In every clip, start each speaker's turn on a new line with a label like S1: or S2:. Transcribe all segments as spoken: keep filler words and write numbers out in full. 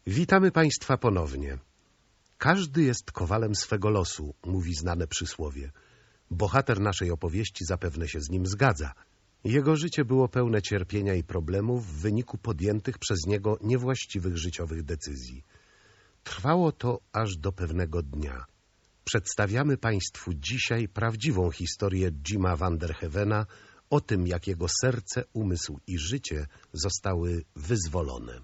S1: Witamy Państwa ponownie. Każdy jest kowalem swego losu, mówi znane przysłowie. Bohater naszej opowieści zapewne się z nim zgadza. Jego życie było pełne cierpienia i problemów w wyniku podjętych przez niego niewłaściwych życiowych decyzji. Trwało to aż do pewnego dnia. Przedstawiamy Państwu dzisiaj prawdziwą historię Jima Van der Hevena o tym, jak jego serce, umysł i życie zostały wyzwolone.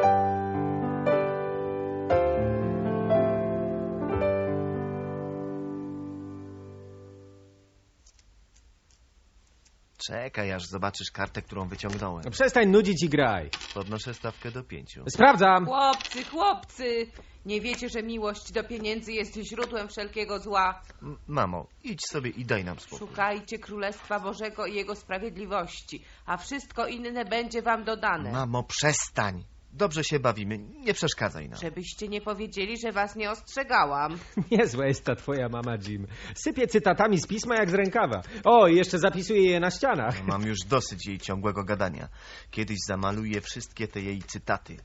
S2: Czekaj, aż zobaczysz kartę, którą wyciągnąłem.
S3: No przestań nudzić i graj.
S2: Podnoszę stawkę do pięciu.
S3: Sprawdzam.
S4: Chłopcy, chłopcy! Nie wiecie, że miłość do pieniędzy jest źródłem wszelkiego zła?
S2: M- Mamo, idź sobie i daj nam spokój.
S4: Szukajcie Królestwa Bożego i Jego sprawiedliwości, a wszystko inne będzie wam dodane.
S2: Mamo, przestań. Dobrze się bawimy, nie przeszkadzaj nam.
S4: Żebyście nie powiedzieli, że was nie ostrzegałam.
S3: Niezła jest ta twoja mama, Jim. Sypie cytatami z pisma jak z rękawa. O, i jeszcze zapisuje je na ścianach.
S2: Mam już dosyć jej ciągłego gadania. Kiedyś zamaluję wszystkie te jej cytaty.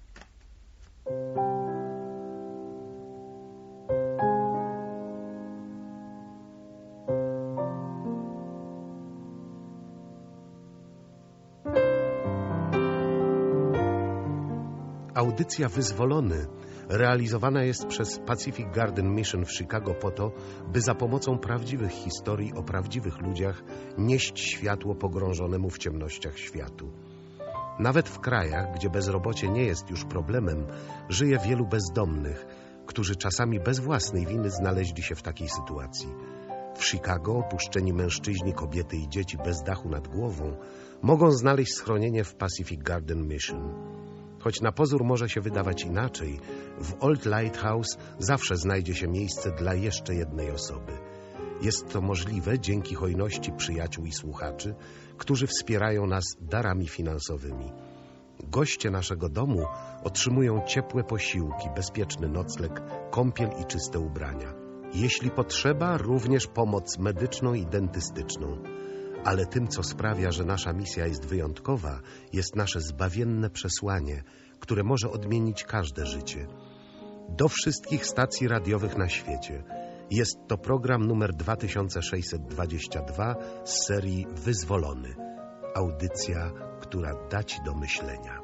S1: Audycja Wyzwolony realizowana jest przez Pacific Garden Mission w Chicago po to, by za pomocą prawdziwych historii o prawdziwych ludziach nieść światło pogrążonemu w ciemnościach światu. Nawet w krajach, gdzie bezrobocie nie jest już problemem, żyje wielu bezdomnych, którzy czasami bez własnej winy znaleźli się w takiej sytuacji. W Chicago opuszczeni mężczyźni, kobiety i dzieci bez dachu nad głową mogą znaleźć schronienie w Pacific Garden Mission. Choć na pozór może się wydawać inaczej, w Old Lighthouse zawsze znajdzie się miejsce dla jeszcze jednej osoby. Jest to możliwe dzięki hojności przyjaciół i słuchaczy, którzy wspierają nas darami finansowymi. Goście naszego domu otrzymują ciepłe posiłki, bezpieczny nocleg, kąpiel i czyste ubrania. Jeśli potrzeba, również pomoc medyczną i dentystyczną. Ale tym, co sprawia, że nasza misja jest wyjątkowa, jest nasze zbawienne przesłanie, które może odmienić każde życie. Do wszystkich stacji radiowych na świecie. Jest to program numer dwa tysiące sześćset dwadzieścia dwa z serii Wyzwolony. Audycja, która da Ci do myślenia.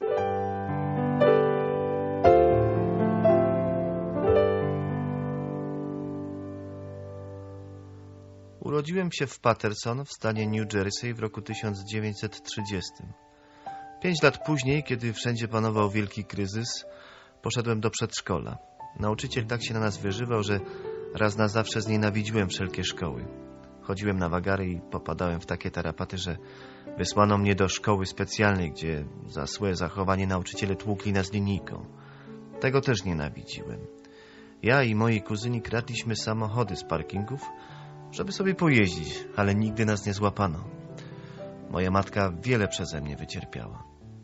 S2: Urodziłem się w Paterson w stanie New Jersey w roku tysiąc dziewięćset trzydziestym. Pięć lat później, kiedy wszędzie panował wielki kryzys, poszedłem do przedszkola. Nauczyciel tak się na nas wyżywał, że raz na zawsze znienawidziłem wszelkie szkoły. Chodziłem na wagary i popadałem w takie tarapaty, że wysłano mnie do szkoły specjalnej, gdzie za złe zachowanie nauczyciele tłukli nas linijką. Tego też nienawidziłem. Ja i moi kuzyni kradliśmy samochody z parkingów, żeby sobie pojeździć, ale nigdy nas nie złapano. Moja matka wiele przeze mnie wycierpiała.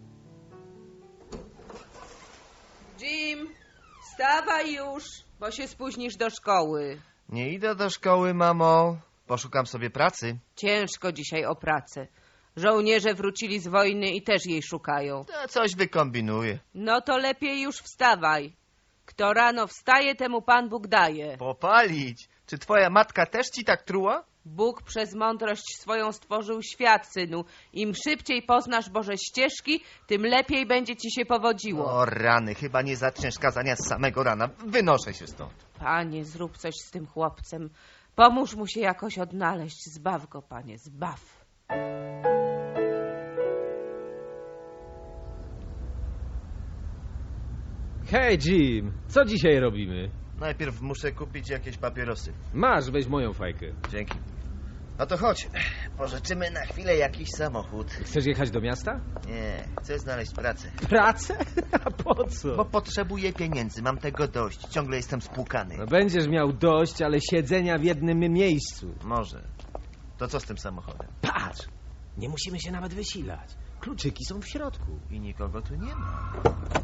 S4: Jim, wstawaj już, bo się spóźnisz do szkoły.
S2: Nie idę do szkoły, mamo. Poszukam sobie pracy.
S4: Ciężko dzisiaj o pracę. Żołnierze wrócili z wojny i też jej szukają.
S2: To coś wykombinuję.
S4: No to lepiej już wstawaj. Kto rano wstaje, temu Pan Bóg daje.
S2: Popalić? Czy twoja matka też ci tak truła?
S4: Bóg przez mądrość swoją stworzył świat, synu. Im szybciej poznasz Boże ścieżki, tym lepiej będzie ci się powodziło.
S2: O rany, chyba nie zaczniesz kazania z samego rana. Wynoszę się stąd.
S4: Panie, zrób coś z tym chłopcem. Pomóż mu się jakoś odnaleźć. Zbaw go, Panie, zbaw.
S3: Hej, Jim, co dzisiaj robimy?
S2: Najpierw muszę kupić jakieś papierosy.
S3: Masz, weź moją fajkę.
S2: Dzięki. No to chodź. Pożyczymy na chwilę jakiś samochód.
S3: Chcesz jechać do miasta?
S2: Nie, chcę znaleźć pracę.
S3: Pracę? A po co?
S2: Bo potrzebuję pieniędzy, mam tego dość. Ciągle jestem spłukany.
S3: No będziesz miał dość, ale siedzenia w jednym miejscu.
S2: Może. To co z tym samochodem?
S3: Patrz, nie musimy się nawet wysilać. Kluczyki są w środku.
S2: I nikogo tu nie ma.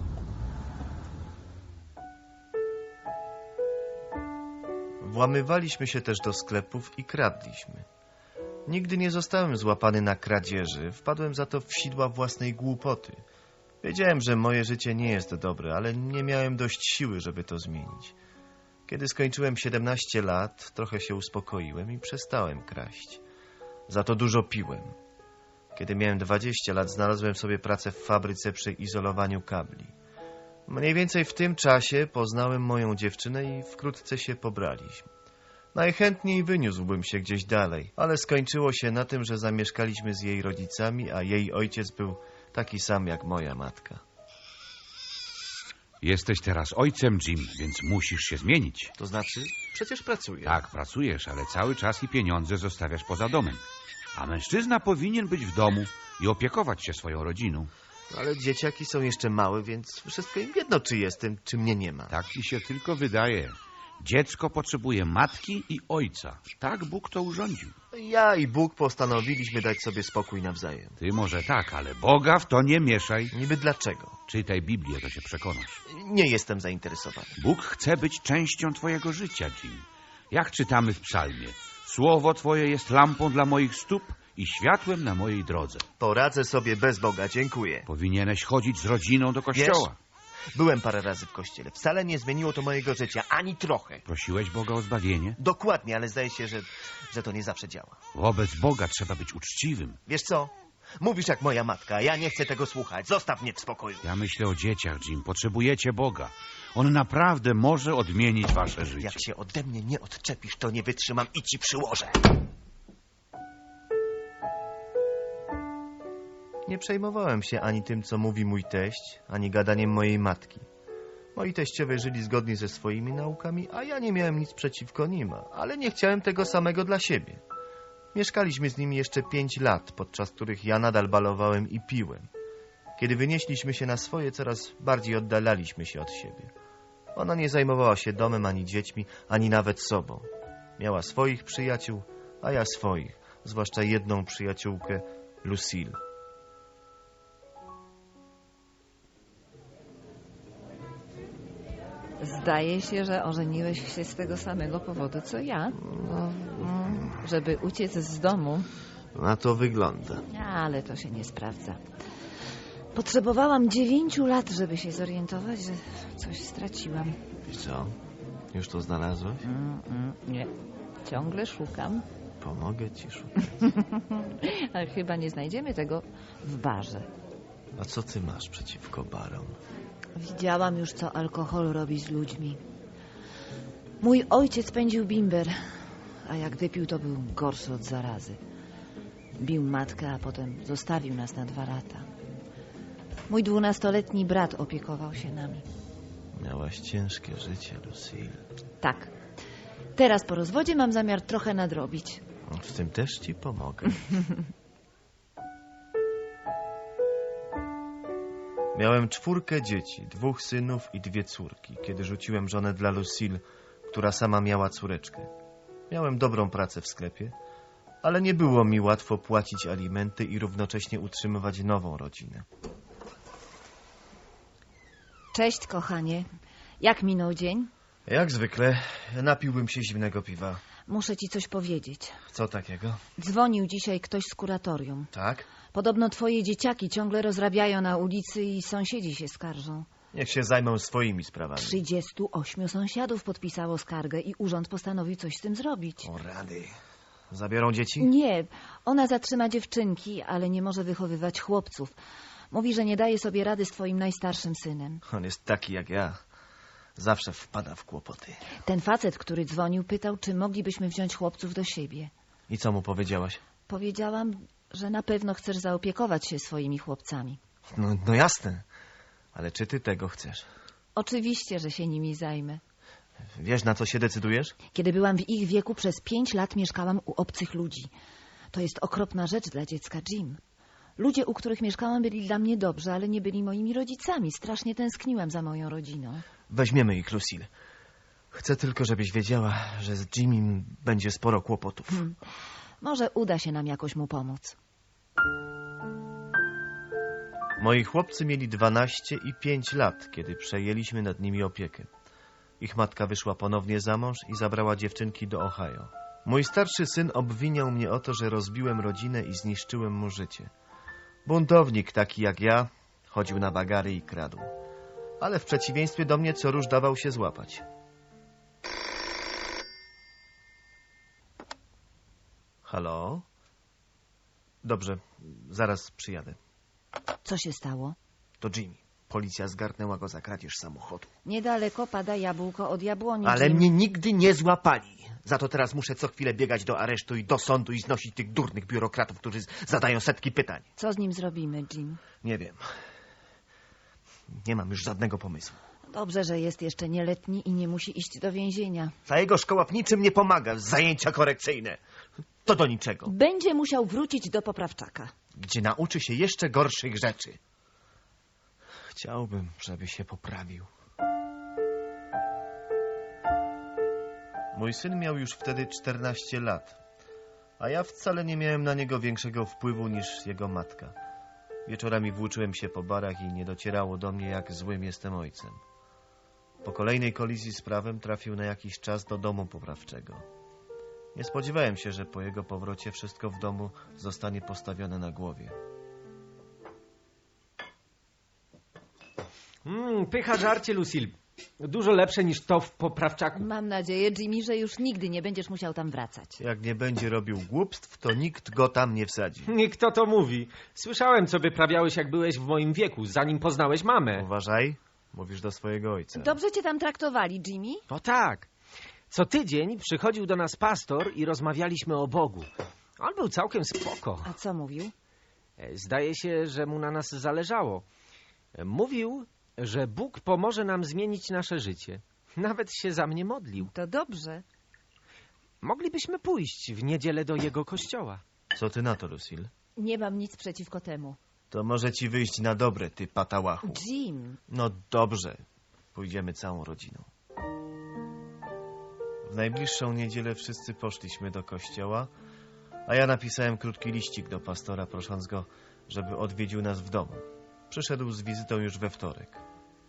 S2: Włamywaliśmy się też do sklepów i kradliśmy. Nigdy nie zostałem złapany na kradzieży, wpadłem za to w sidła własnej głupoty. Wiedziałem, że moje życie nie jest dobre, ale nie miałem dość siły, żeby to zmienić. Kiedy skończyłem siedemnaście lat, trochę się uspokoiłem i przestałem kraść. Za to dużo piłem. Kiedy miałem dwadzieścia lat, znalazłem sobie pracę w fabryce przy izolowaniu kabli. Mniej więcej w tym czasie poznałem moją dziewczynę i wkrótce się pobraliśmy. Najchętniej wyniósłbym się gdzieś dalej, ale skończyło się na tym, że zamieszkaliśmy z jej rodzicami, a jej ojciec był taki sam jak moja matka.
S5: Jesteś teraz ojcem, Jim, więc musisz się zmienić.
S2: To znaczy? Przecież pracuję.
S5: Tak, pracujesz, ale cały czas i pieniądze zostawiasz poza domem. A mężczyzna powinien być w domu i opiekować się swoją rodziną.
S2: Ale dzieciaki są jeszcze małe, więc wszystko im jedno, czy jestem, czy mnie nie ma.
S5: Tak ci się tylko wydaje. Dziecko potrzebuje matki i ojca. Tak Bóg to urządził.
S2: Ja i Bóg postanowiliśmy dać sobie spokój nawzajem.
S5: Ty może tak, ale Boga w to nie mieszaj.
S2: Niby dlaczego?
S5: Czytaj Biblię, to się przekonasz.
S2: Nie jestem zainteresowany.
S5: Bóg chce być częścią twojego życia, Jim. Jak czytamy w psalmie, słowo twoje jest lampą dla moich stóp i światłem na mojej drodze.
S2: Poradzę sobie bez Boga, dziękuję.
S5: Powinieneś chodzić z rodziną do kościoła.
S2: Wiesz, byłem parę razy w kościele. Wcale nie zmieniło to mojego życia, ani trochę.
S5: Prosiłeś Boga o zbawienie?
S2: Dokładnie, ale zdaje się, że, że to nie zawsze działa.
S5: Wobec Boga trzeba być uczciwym.
S2: Wiesz co? Mówisz jak moja matka, a ja nie chcę tego słuchać. Zostaw mnie w spokoju.
S5: Ja myślę o dzieciach, Jim. Potrzebujecie Boga. On naprawdę może odmienić wasze życie.
S2: Jak się ode mnie nie odczepisz, to nie wytrzymam i ci przyłożę. Nie przejmowałem się ani tym, co mówi mój teść, ani gadaniem mojej matki. Moi teściowie żyli zgodnie ze swoimi naukami, a ja nie miałem nic przeciwko nim, ale nie chciałem tego samego dla siebie. Mieszkaliśmy z nimi jeszcze pięć lat, podczas których ja nadal balowałem i piłem. Kiedy wynieśliśmy się na swoje, coraz bardziej oddalaliśmy się od siebie. Ona nie zajmowała się domem, ani dziećmi, ani nawet sobą. Miała swoich przyjaciół, a ja swoich, zwłaszcza jedną przyjaciółkę, Lucille.
S6: Zdaje się, że ożeniłeś się z tego samego powodu, co ja.
S2: No,
S6: Żeby uciec z domu.
S2: na to wygląda.
S6: Ale to się nie sprawdza. Potrzebowałam dziewięciu lat, żeby się zorientować, że coś straciłam.
S2: I co? Już to znalazłeś?
S6: Mm, mm, nie. Ciągle szukam.
S2: Pomogę ci szukać.
S6: Ale chyba nie znajdziemy tego w barze.
S2: A co ty masz przeciwko barom?
S6: Widziałam już, co alkohol robi z ludźmi. Mój ojciec pędził bimber, a jak wypił, to był gorszy od zarazy. Bił matkę, a potem zostawił nas na dwa lata. Mój dwunastoletni brat opiekował się nami.
S2: Miałaś ciężkie życie, Lucille.
S6: Tak. Teraz po rozwodzie mam zamiar trochę nadrobić.
S2: W tym też ci pomogę. Miałem czwórkę dzieci, dwóch synów i dwie córki, kiedy rzuciłem żonę dla Lucille, która sama miała córeczkę. Miałem dobrą pracę w sklepie, ale nie było mi łatwo płacić alimenty i równocześnie utrzymywać nową rodzinę.
S6: Cześć, kochanie. Jak minął dzień?
S2: Jak zwykle, napiłbym się zimnego piwa.
S6: Muszę ci coś powiedzieć.
S2: Co takiego?
S6: Dzwonił dzisiaj ktoś z kuratorium.
S2: Tak?
S6: Podobno twoje dzieciaki ciągle rozrabiają na ulicy i sąsiedzi się skarżą.
S2: Niech się zajmą swoimi sprawami.
S6: Trzydziestu ośmiu sąsiadów podpisało skargę i urząd postanowił coś z tym zrobić.
S2: O rady. Zabiorą dzieci?
S6: Nie, ona zatrzyma dziewczynki, ale nie może wychowywać chłopców. Mówi, że nie daje sobie rady z twoim najstarszym synem.
S2: On jest taki jak ja. Zawsze wpada w kłopoty.
S6: Ten facet, który dzwonił, pytał, czy moglibyśmy wziąć chłopców do siebie.
S2: I co mu powiedziałaś?
S6: Powiedziałam, że na pewno chcesz zaopiekować się swoimi chłopcami.
S2: No, no jasne. Ale czy ty tego chcesz?
S6: Oczywiście, że się nimi zajmę.
S2: Wiesz, na co się decydujesz?
S6: Kiedy byłam w ich wieku, przez pięć lat mieszkałam u obcych ludzi. To jest okropna rzecz dla dziecka, Jim. Ludzie, u których mieszkałam, byli dla mnie dobrzy, ale nie byli moimi rodzicami. Strasznie tęskniłam za moją rodziną.
S2: Weźmiemy ich, Lucille. Chcę tylko, żebyś wiedziała, że z Jimim będzie sporo kłopotów.
S6: Hmm. Może uda się nam jakoś mu pomóc.
S2: Moi chłopcy mieli dwanaście i pięć lat, kiedy przejęliśmy nad nimi opiekę. Ich matka wyszła ponownie za mąż i zabrała dziewczynki do Ohio. Mój starszy syn obwiniał mnie o to, że rozbiłem rodzinę i zniszczyłem mu życie. Buntownik taki jak ja, chodził na bagary i kradł. Ale w przeciwieństwie do mnie co róż dawał się złapać. Halo? Dobrze, zaraz przyjadę.
S6: Co się stało?
S2: To Jimmy. Policja zgarnęła go za kradzież samochodu.
S6: Niedaleko pada jabłko od jabłoni.
S2: Ale
S6: Jim.
S2: mnie nigdy nie złapali. Za to teraz muszę co chwilę biegać do aresztu i do sądu i znosić tych durnych biurokratów, którzy zadają setki pytań.
S6: Co z nim zrobimy, Jim?
S2: Nie wiem. Nie mam już żadnego pomysłu.
S6: Dobrze, że jest jeszcze nieletni i nie musi iść do więzienia.
S2: Ta jego szkoła w niczym nie pomaga. Zajęcia korekcyjne. To do niczego.
S6: Będzie musiał wrócić do poprawczaka.
S2: Gdzie nauczy się jeszcze gorszych rzeczy. Chciałbym, żeby się poprawił. Mój syn miał już wtedy czternaście lat, a ja wcale nie miałem na niego większego wpływu niż jego matka. Wieczorami włóczyłem się po barach i nie docierało do mnie, jak złym jestem ojcem. Po kolejnej kolizji z prawem trafił na jakiś czas do domu poprawczego. Nie spodziewałem się, że po jego powrocie wszystko w domu zostanie postawione na głowie.
S3: Mm, pycha żarcie, Lucille. Dużo lepsze niż to w poprawczaku.
S6: Mam nadzieję, Jimmy, że już nigdy nie będziesz musiał tam wracać.
S2: Jak nie będzie robił głupstw, to nikt go tam nie wsadzi.
S3: Kto to mówi? Słyszałem, co wyprawiałeś, jak byłeś w moim wieku, zanim poznałeś mamę.
S2: Uważaj, mówisz do swojego ojca.
S6: Dobrze cię tam traktowali, Jimmy?
S3: O tak. Co tydzień przychodził do nas pastor i rozmawialiśmy o Bogu. On był całkiem spoko.
S6: A co mówił?
S3: Zdaje się, że mu na nas zależało. Mówił, że Bóg pomoże nam zmienić nasze życie. Nawet się za mnie modlił.
S6: To dobrze.
S3: Moglibyśmy pójść w niedzielę do jego kościoła.
S2: Co ty na to, Lucille?
S6: Nie mam nic przeciwko temu.
S2: To może ci wyjść na dobre, ty patałachu.
S6: Jim,
S2: No dobrze. Pójdziemy całą rodziną. W najbliższą niedzielę wszyscy poszliśmy do kościoła, a ja napisałem krótki liścik do pastora, prosząc go, żeby odwiedził nas w domu. Przyszedł z wizytą już we wtorek.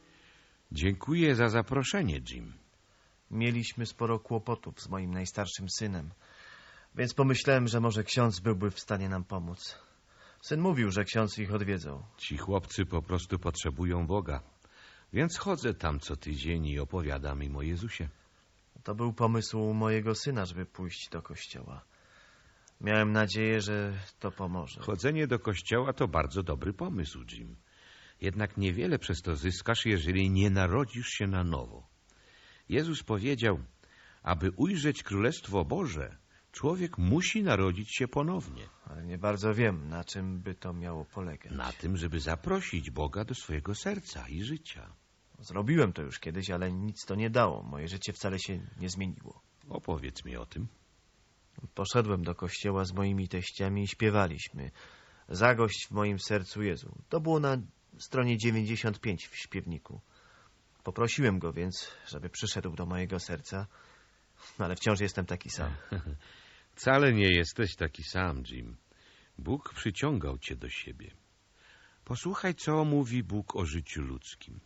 S5: Dziękuję za zaproszenie, Jim.
S2: Mieliśmy sporo kłopotów z moim najstarszym synem, więc pomyślałem, że może ksiądz byłby w stanie nam pomóc. Syn mówił, że ksiądz ich odwiedzał.
S5: Ci chłopcy po prostu potrzebują Boga, więc chodzę tam co tydzień i opowiadam im o Jezusie.
S2: To był pomysł mojego syna, żeby pójść do kościoła. Miałem nadzieję, że to pomoże.
S5: Chodzenie do kościoła to bardzo dobry pomysł, Jim. Jednak niewiele przez to zyskasz, jeżeli nie narodzisz się na nowo. Jezus powiedział, aby ujrzeć Królestwo Boże, człowiek musi narodzić się ponownie.
S2: Ale nie bardzo wiem, na czym by to miało polegać.
S5: Na tym, żeby zaprosić Boga do swojego serca i życia.
S2: Zrobiłem to już kiedyś, ale nic to nie dało. Moje życie wcale się nie zmieniło.
S5: Opowiedz mi o tym.
S2: Poszedłem do kościoła z moimi teściami i śpiewaliśmy. Zagość w moim sercu Jezu. To było na stronie dziewięćdziesiąt pięć w śpiewniku. Poprosiłem go więc, żeby przyszedł do mojego serca, ale wciąż jestem taki sam.
S5: Wcale nie jesteś taki sam, Jim. Bóg przyciągał cię do siebie. Posłuchaj, co mówi Bóg o życiu ludzkim.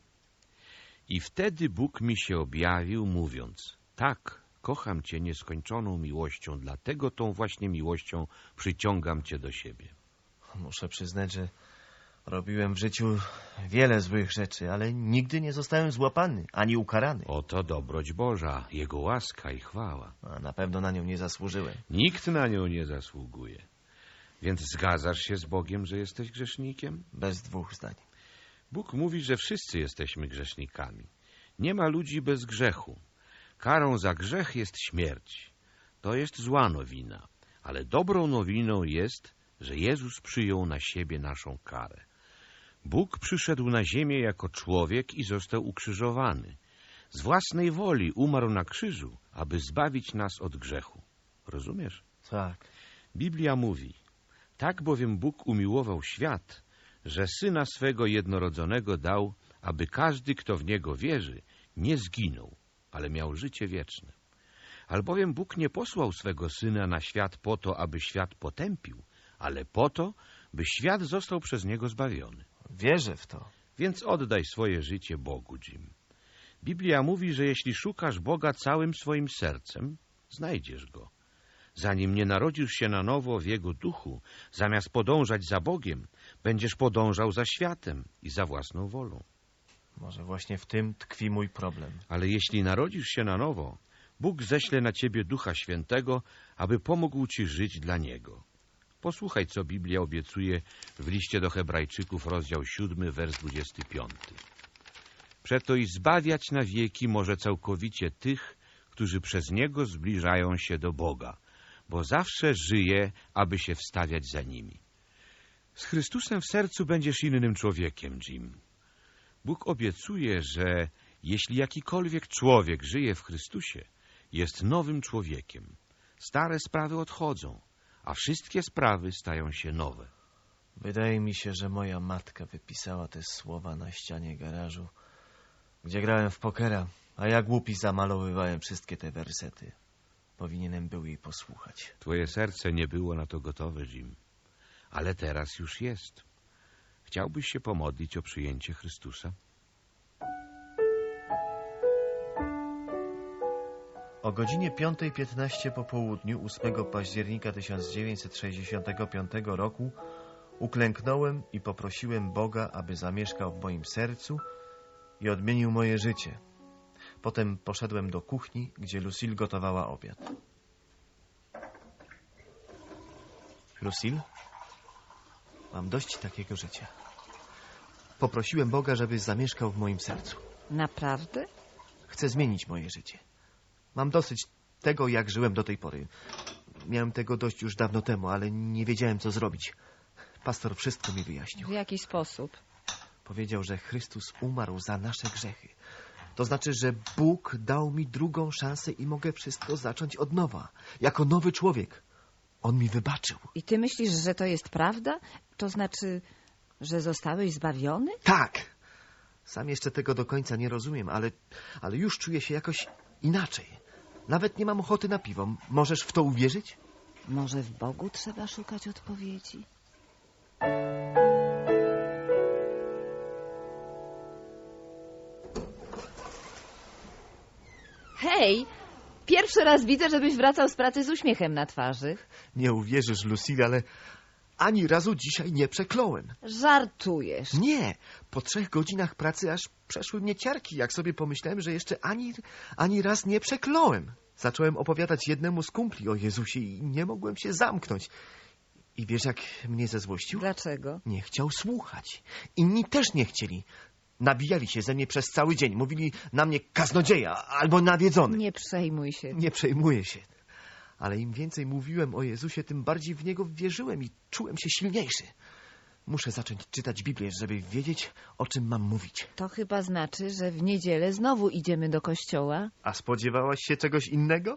S5: I wtedy Bóg mi się objawił, mówiąc, tak, kocham cię nieskończoną miłością, dlatego tą właśnie miłością przyciągam cię do siebie.
S2: Muszę przyznać, że robiłem w życiu wiele złych rzeczy, ale nigdy nie zostałem złapany, ani ukarany.
S5: Oto dobroć Boża, Jego łaska i chwała.
S2: A na pewno na nią nie zasłużyłem.
S5: Nikt na nią nie zasługuje. Więc zgadzasz się z Bogiem, że jesteś grzesznikiem?
S2: Bez dwóch zdań.
S5: Bóg mówi, że wszyscy jesteśmy grzesznikami. Nie ma ludzi bez grzechu. Karą za grzech jest śmierć. To jest zła nowina. Ale dobrą nowiną jest, że Jezus przyjął na siebie naszą karę. Bóg przyszedł na ziemię jako człowiek i został ukrzyżowany. Z własnej woli umarł na krzyżu, aby zbawić nas od grzechu. Rozumiesz?
S2: Tak.
S5: Biblia mówi, tak bowiem Bóg umiłował świat, że Syna swego jednorodzonego dał, aby każdy, kto w Niego wierzy, nie zginął, ale miał życie wieczne. Albowiem Bóg nie posłał swego Syna na świat po to, aby świat potępił, ale po to, by świat został przez Niego zbawiony.
S2: Wierzę w to.
S5: Więc oddaj swoje życie Bogu, Jim. Biblia mówi, że jeśli szukasz Boga całym swoim sercem, znajdziesz Go. Zanim nie narodzisz się na nowo w Jego duchu, zamiast podążać za Bogiem, Będziesz podążał za światem i za własną wolą.
S2: Może właśnie w tym tkwi mój problem.
S5: Ale jeśli narodzisz się na nowo, Bóg ześle na ciebie Ducha Świętego, aby pomógł ci żyć dla Niego. Posłuchaj, co Biblia obiecuje w liście do Hebrajczyków, rozdział siódmy, wers dwudziesty piąty. Przeto i zbawiać na wieki może całkowicie tych, którzy przez Niego zbliżają się do Boga, bo zawsze żyje, aby się wstawiać za nimi. Z Chrystusem w sercu będziesz innym człowiekiem, Jim. Bóg obiecuje, że jeśli jakikolwiek człowiek żyje w Chrystusie, jest nowym człowiekiem. Stare sprawy odchodzą, a wszystkie sprawy stają się nowe.
S2: Wydaje mi się, że moja matka wypisała te słowa na ścianie garażu, gdzie grałem w pokera, a ja głupi zamalowywałem wszystkie te wersety. Powinienem był jej posłuchać.
S5: Twoje serce nie było na to gotowe, Jim, ale teraz już jest. Chciałbyś się pomodlić o przyjęcie Chrystusa?
S2: O godzinie piątej piętnaście po południu ósmego października tysiąc dziewięćset sześćdziesiątego piątego roku uklęknąłem i poprosiłem Boga, aby zamieszkał w moim sercu i odmienił moje życie. Potem poszedłem do kuchni, gdzie Lucille gotowała obiad. Lucille, mam dość takiego życia. Poprosiłem Boga, żeby zamieszkał w moim sercu.
S6: Naprawdę?
S2: Chcę zmienić moje życie. Mam dosyć tego, jak żyłem do tej pory. Miałem tego dość już dawno temu, ale nie wiedziałem, co zrobić. Pastor wszystko mi wyjaśnił.
S6: W jaki sposób?
S2: Powiedział, że Chrystus umarł za nasze grzechy. To znaczy, że Bóg dał mi drugą szansę i mogę wszystko zacząć od nowa. Jako nowy człowiek. On mi wybaczył.
S6: I ty myślisz, że to jest prawda? To znaczy, że zostałeś zbawiony?
S2: Tak. Sam jeszcze tego do końca nie rozumiem, ale, ale już czuję się jakoś inaczej. Nawet nie mam ochoty na piwo. Możesz w to uwierzyć?
S6: Może w Bogu trzeba szukać odpowiedzi? Hej, pierwszy raz widzę, żebyś wracał z pracy z uśmiechem na twarzy.
S2: Nie uwierzysz, Lucille, ale ani razu dzisiaj nie przekląłem.
S6: Żartujesz.
S2: Nie, po trzech godzinach pracy aż przeszły mnie ciarki, jak sobie pomyślałem, że jeszcze ani, ani raz nie przekląłem. Zacząłem opowiadać jednemu z kumpli o Jezusie i nie mogłem się zamknąć. I wiesz, jak mnie zezłościł?
S6: Dlaczego?
S2: Nie chciał słuchać. Inni też nie chcieli. Nabijali się ze mnie przez cały dzień. Mówili na mnie kaznodzieja albo nawiedzony.
S6: Nie przejmuj się.
S2: Nie przejmuję się. Ale im więcej mówiłem o Jezusie, tym bardziej w Niego wierzyłem i czułem się silniejszy. Muszę zacząć czytać Biblię, żeby wiedzieć, o czym mam mówić.
S6: To chyba znaczy, że w niedzielę znowu idziemy do kościoła.
S2: A spodziewałaś się czegoś innego?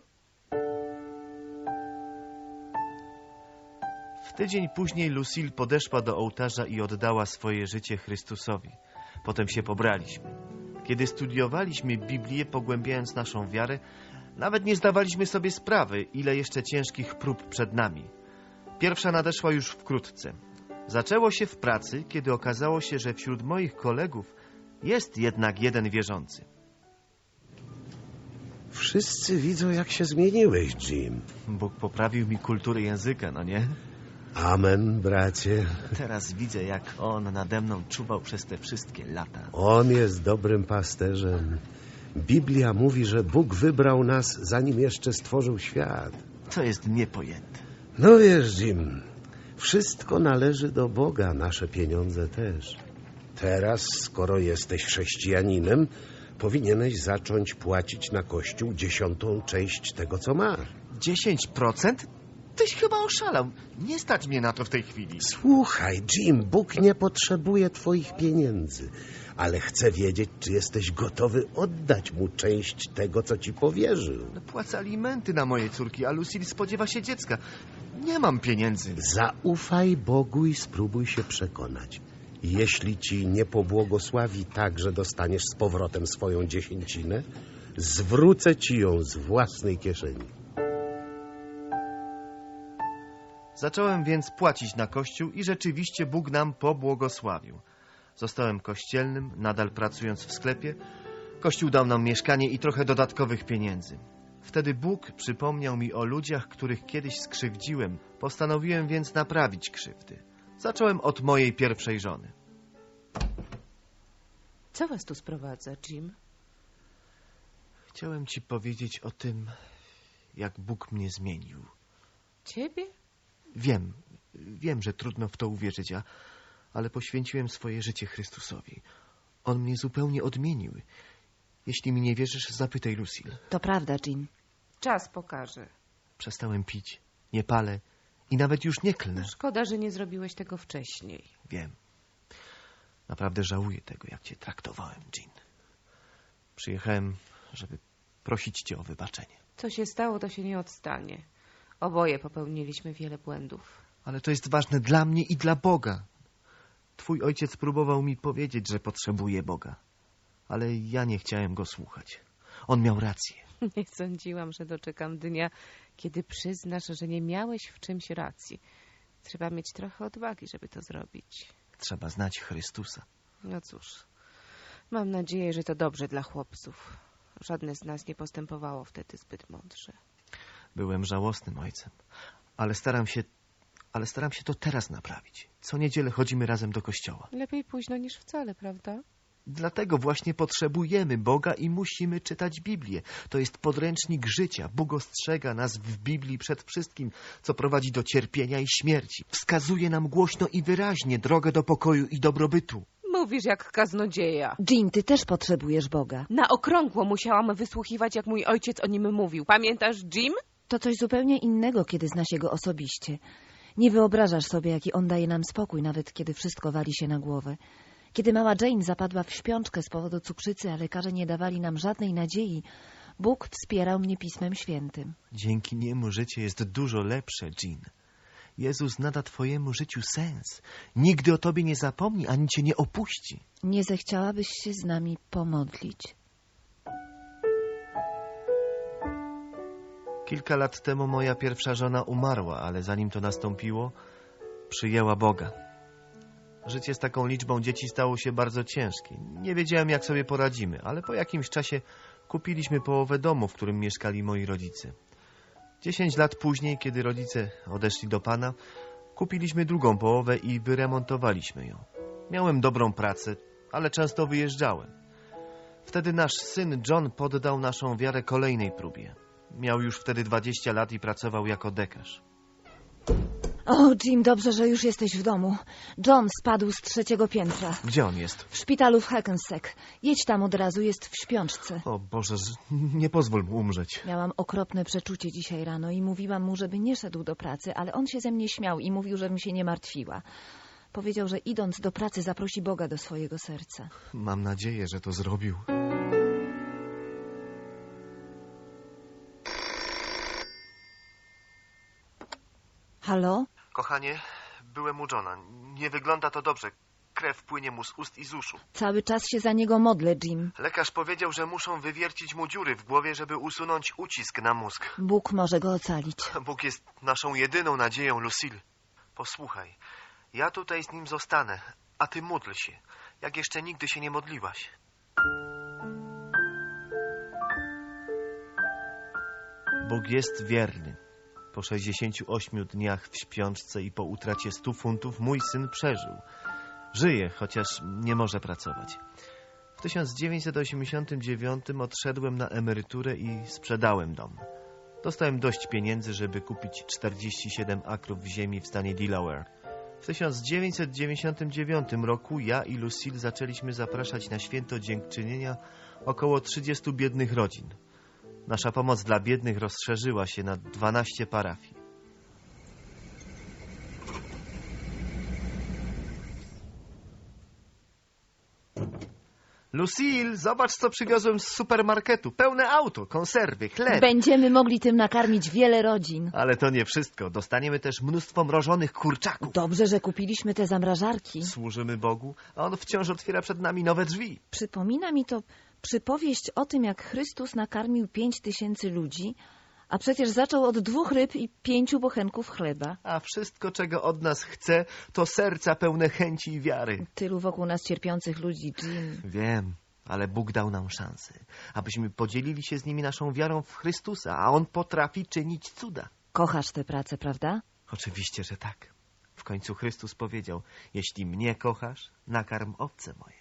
S2: W tydzień później Lucille podeszła do ołtarza i oddała swoje życie Chrystusowi. Potem się pobraliśmy. Kiedy studiowaliśmy Biblię, pogłębiając naszą wiarę, nawet nie zdawaliśmy sobie sprawy, ile jeszcze ciężkich prób przed nami. Pierwsza nadeszła już wkrótce. Zaczęło się w pracy, kiedy okazało się, że wśród moich kolegów jest jednak jeden wierzący.
S1: Wszyscy widzą, jak się zmieniłeś, Jim.
S2: Bóg poprawił mi kulturę języka, no nie?
S1: Amen, bracie.
S2: Teraz widzę, jak On nade mną czuwał przez te wszystkie lata.
S1: On jest dobrym pasterzem. Biblia mówi, że Bóg wybrał nas, zanim jeszcze stworzył świat.
S2: To jest niepojęte.
S1: No wiesz, Jim, wszystko należy do Boga, nasze pieniądze też. Teraz, skoro jesteś chrześcijaninem, powinieneś zacząć płacić na Kościół dziesiątą część tego, co masz.
S2: Dziesięć procent? Tyś chyba oszalał. Nie stać mnie na to w tej chwili.
S1: Słuchaj, Jim, Bóg nie potrzebuje twoich pieniędzy, ale chce wiedzieć, czy jesteś gotowy oddać Mu część tego, co ci powierzył.
S2: Płacę alimenty na moje córki, a Lucille spodziewa się dziecka. Nie mam pieniędzy.
S1: Zaufaj Bogu i spróbuj się przekonać. Jeśli ci nie pobłogosławi tak, że dostaniesz z powrotem swoją dziesięcinę, zwrócę ci ją z własnej kieszeni.
S2: Zacząłem więc płacić na kościół i rzeczywiście Bóg nam pobłogosławił. Zostałem kościelnym, nadal pracując w sklepie. Kościół dał nam mieszkanie i trochę dodatkowych pieniędzy. Wtedy Bóg przypomniał mi o ludziach, których kiedyś skrzywdziłem. Postanowiłem więc naprawić krzywdy. Zacząłem od mojej pierwszej żony.
S4: Co was tu sprowadza, Jim?
S2: Chciałem ci powiedzieć o tym, jak Bóg mnie zmienił.
S4: Ciebie?
S2: Wiem, wiem, że trudno w to uwierzyć, a, ale poświęciłem swoje życie Chrystusowi. On mnie zupełnie odmienił. Jeśli mi nie wierzysz, zapytaj Lucille.
S6: To prawda, Jim.
S4: Czas pokaże.
S2: Przestałem pić, nie palę i nawet już nie klnę.
S4: Szkoda, że nie zrobiłeś tego wcześniej.
S2: Wiem. Naprawdę żałuję tego, jak cię traktowałem, Jean. Przyjechałem, żeby prosić cię o wybaczenie.
S4: Co się stało, to się nie odstanie. Oboje popełniliśmy wiele błędów.
S2: Ale to jest ważne dla mnie i dla Boga. Twój ojciec próbował mi powiedzieć, że potrzebuje Boga. Ale ja nie chciałem go słuchać. On miał rację.
S4: Nie sądziłam, że doczekam dnia, kiedy przyznasz, że nie miałeś w czymś racji. Trzeba mieć trochę odwagi, żeby to zrobić.
S2: Trzeba znać Chrystusa.
S4: No cóż, mam nadzieję, że to dobrze dla chłopców. Żadne z nas nie postępowało wtedy zbyt mądrze.
S2: Byłem żałosnym ojcem, ale staram się, ale staram się to teraz naprawić. Co niedzielę chodzimy razem do kościoła.
S4: Lepiej późno niż wcale, prawda?
S2: Dlatego właśnie potrzebujemy Boga i musimy czytać Biblię. To jest podręcznik życia. Bóg ostrzega nas w Biblii przed wszystkim, co prowadzi do cierpienia i śmierci. Wskazuje nam głośno i wyraźnie drogę do pokoju i dobrobytu.
S4: Mówisz jak kaznodzieja.
S6: Jim, ty też potrzebujesz Boga.
S4: Na okrągło musiałam wysłuchiwać, jak mój ojciec o nim mówił. Pamiętasz, Jim?
S6: To coś zupełnie innego, kiedy zna się go osobiście. Nie wyobrażasz sobie, jaki on daje nam spokój, nawet kiedy wszystko wali się na głowę. Kiedy mała Jane zapadła w śpiączkę z powodu cukrzycy, a lekarze nie dawali nam żadnej nadziei, Bóg wspierał mnie Pismem Świętym.
S2: Dzięki niemu życie jest dużo lepsze, Jean. Jezus nada twojemu życiu sens. Nigdy o tobie nie zapomni, ani cię nie opuści.
S6: Nie zechciałabyś się z nami pomodlić?
S2: Kilka lat temu moja pierwsza żona umarła, ale zanim to nastąpiło, przyjęła Boga. Życie z taką liczbą dzieci stało się bardzo ciężkie. Nie wiedziałem, jak sobie poradzimy, ale po jakimś czasie kupiliśmy połowę domu, w którym mieszkali moi rodzice. Dziesięć lat później, kiedy rodzice odeszli do Pana, kupiliśmy drugą połowę i wyremontowaliśmy ją. Miałem dobrą pracę, ale często wyjeżdżałem. Wtedy nasz syn John poddał naszą wiarę kolejnej próbie. Miał już wtedy dwadzieścia lat i pracował jako dekarz.
S6: O, Jim, dobrze, że już jesteś w domu. John spadł z trzeciego piętra.
S2: Gdzie on jest?
S6: W szpitalu w Hackensack. Jedź tam od razu, jest w śpiączce.
S2: O Boże, z- nie pozwól mu umrzeć.
S6: Miałam okropne przeczucie dzisiaj rano i mówiłam mu, żeby nie szedł do pracy, ale on się ze mnie śmiał i mówił, żebym się nie martwiła. Powiedział, że idąc do pracy zaprosi Boga do swojego serca.
S2: Mam nadzieję, że to zrobił.
S6: Halo?
S2: Kochanie, byłem u Johna. Nie wygląda to dobrze. Krew płynie mu z ust i z uszu.
S6: Cały czas się za niego modlę, Jim.
S2: Lekarz powiedział, że muszą wywiercić mu dziury w głowie, żeby usunąć ucisk na mózg.
S6: Bóg może go ocalić.
S2: Bóg jest naszą jedyną nadzieją, Lucille. Posłuchaj, ja tutaj z nim zostanę, a ty módl się, jak jeszcze nigdy się nie modliłaś. Bóg jest wierny. Po sześćdziesięciu ośmiu dniach w śpiączce i po utracie stu funtów mój syn przeżył. Żyje, chociaż nie może pracować. W tysiąc dziewięćset osiemdziesiątym dziewiątym odszedłem na emeryturę i sprzedałem dom. Dostałem dość pieniędzy, żeby kupić czterdzieści siedem akrów ziemi w stanie Delaware. W tysiąc dziewięćset dziewięćdziesiątym dziewiątym roku ja i Lucille zaczęliśmy zapraszać na święto dziękczynienia około trzydziestu biednych rodzin. Nasza pomoc dla biednych rozszerzyła się na dwanaście parafii. Lucille, zobacz, co przywiozłem z supermarketu. Pełne auto, konserwy, chleb.
S6: Będziemy mogli tym nakarmić wiele rodzin.
S2: Ale to nie wszystko. Dostaniemy też mnóstwo mrożonych kurczaków.
S6: Dobrze, że kupiliśmy te zamrażarki.
S2: Służymy Bogu, a On wciąż otwiera przed nami nowe drzwi.
S6: Przypomina mi to przypowieść o tym, jak Chrystus nakarmił pięć tysięcy ludzi, a przecież zaczął od dwóch ryb i pięciu bochenków chleba.
S2: A wszystko, czego od nas chce, to serca pełne chęci i wiary.
S6: Tylu wokół nas cierpiących ludzi, Jim.
S2: Wiem, ale Bóg dał nam szansę, abyśmy podzielili się z nimi naszą wiarą w Chrystusa, a On potrafi czynić cuda.
S6: Kochasz tę pracę, prawda?
S2: Oczywiście, że tak. W końcu Chrystus powiedział: jeśli mnie kochasz, nakarm owce moje.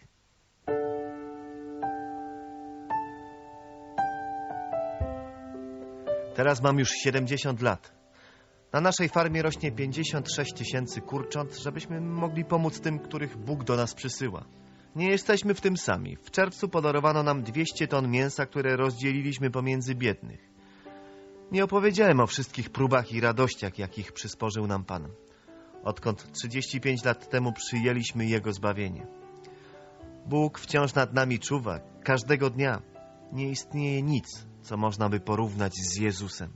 S2: Teraz mam już siedemdziesiąt lat. Na naszej farmie rośnie pięćdziesiąt sześć tysięcy kurcząt, żebyśmy mogli pomóc tym, których Bóg do nas przysyła. Nie jesteśmy w tym sami. W czerwcu podarowano nam dwieście ton mięsa, które rozdzieliliśmy pomiędzy biednych. Nie opowiedziałem o wszystkich próbach i radościach, jakich przysporzył nam Pan, odkąd trzydzieści pięć lat temu przyjęliśmy Jego zbawienie. Bóg wciąż nad nami czuwa, każdego dnia. Nie istnieje nic, co można by porównać z Jezusem.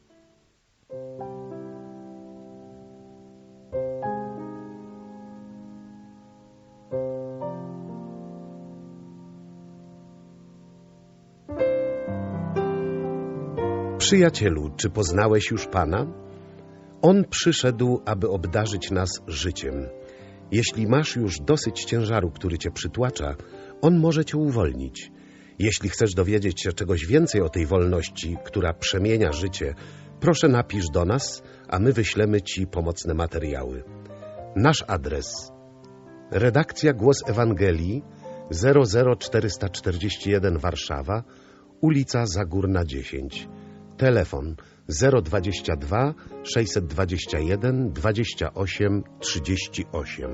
S1: Przyjacielu, czy poznałeś już Pana? On przyszedł, aby obdarzyć nas życiem. Jeśli masz już dosyć ciężaru, który cię przytłacza, On może cię uwolnić. Jeśli chcesz dowiedzieć się czegoś więcej o tej wolności, która przemienia życie, proszę napisz do nas, a my wyślemy ci pomocne materiały. Nasz adres: redakcja Głos Ewangelii, zero zero czterysta czterdzieści jeden Warszawa, ulica Zagórna dziesięć. Telefon zero dwadzieścia dwa sześćset dwadzieścia jeden dwadzieścia osiem trzydzieści osiem.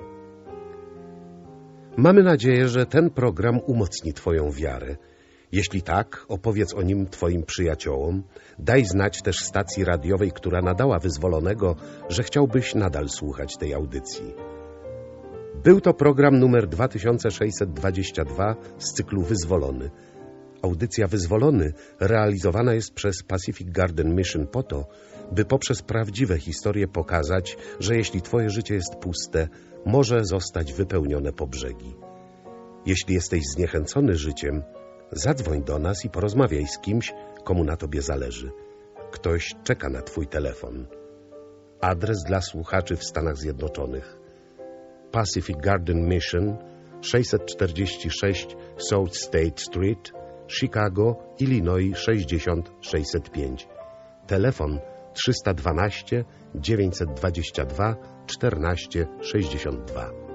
S1: Mamy nadzieję, że ten program umocni twoją wiarę. Jeśli tak, opowiedz o nim twoim przyjaciołom. Daj znać też stacji radiowej, która nadała Wyzwolonego, że chciałbyś nadal słuchać tej audycji. Był to program numer dwa tysiące sześćset dwadzieścia dwa z cyklu Wyzwolony. Audycja Wyzwolony realizowana jest przez Pacific Garden Mission po to, by poprzez prawdziwe historie pokazać, że jeśli twoje życie jest puste, może zostać wypełnione po brzegi. Jeśli jesteś zniechęcony życiem, zadzwoń do nas i porozmawiaj z kimś, komu na tobie zależy. Ktoś czeka na twój telefon. Adres dla słuchaczy w Stanach Zjednoczonych: Pacific Garden Mission, sześćset czterdzieści sześć South State Street, Chicago, Illinois sześćdziesiąt sześćset pięć. Telefon trzysta dwanaście dziewięćset dwadzieścia dwa czternaście sześćdziesiąt dwa.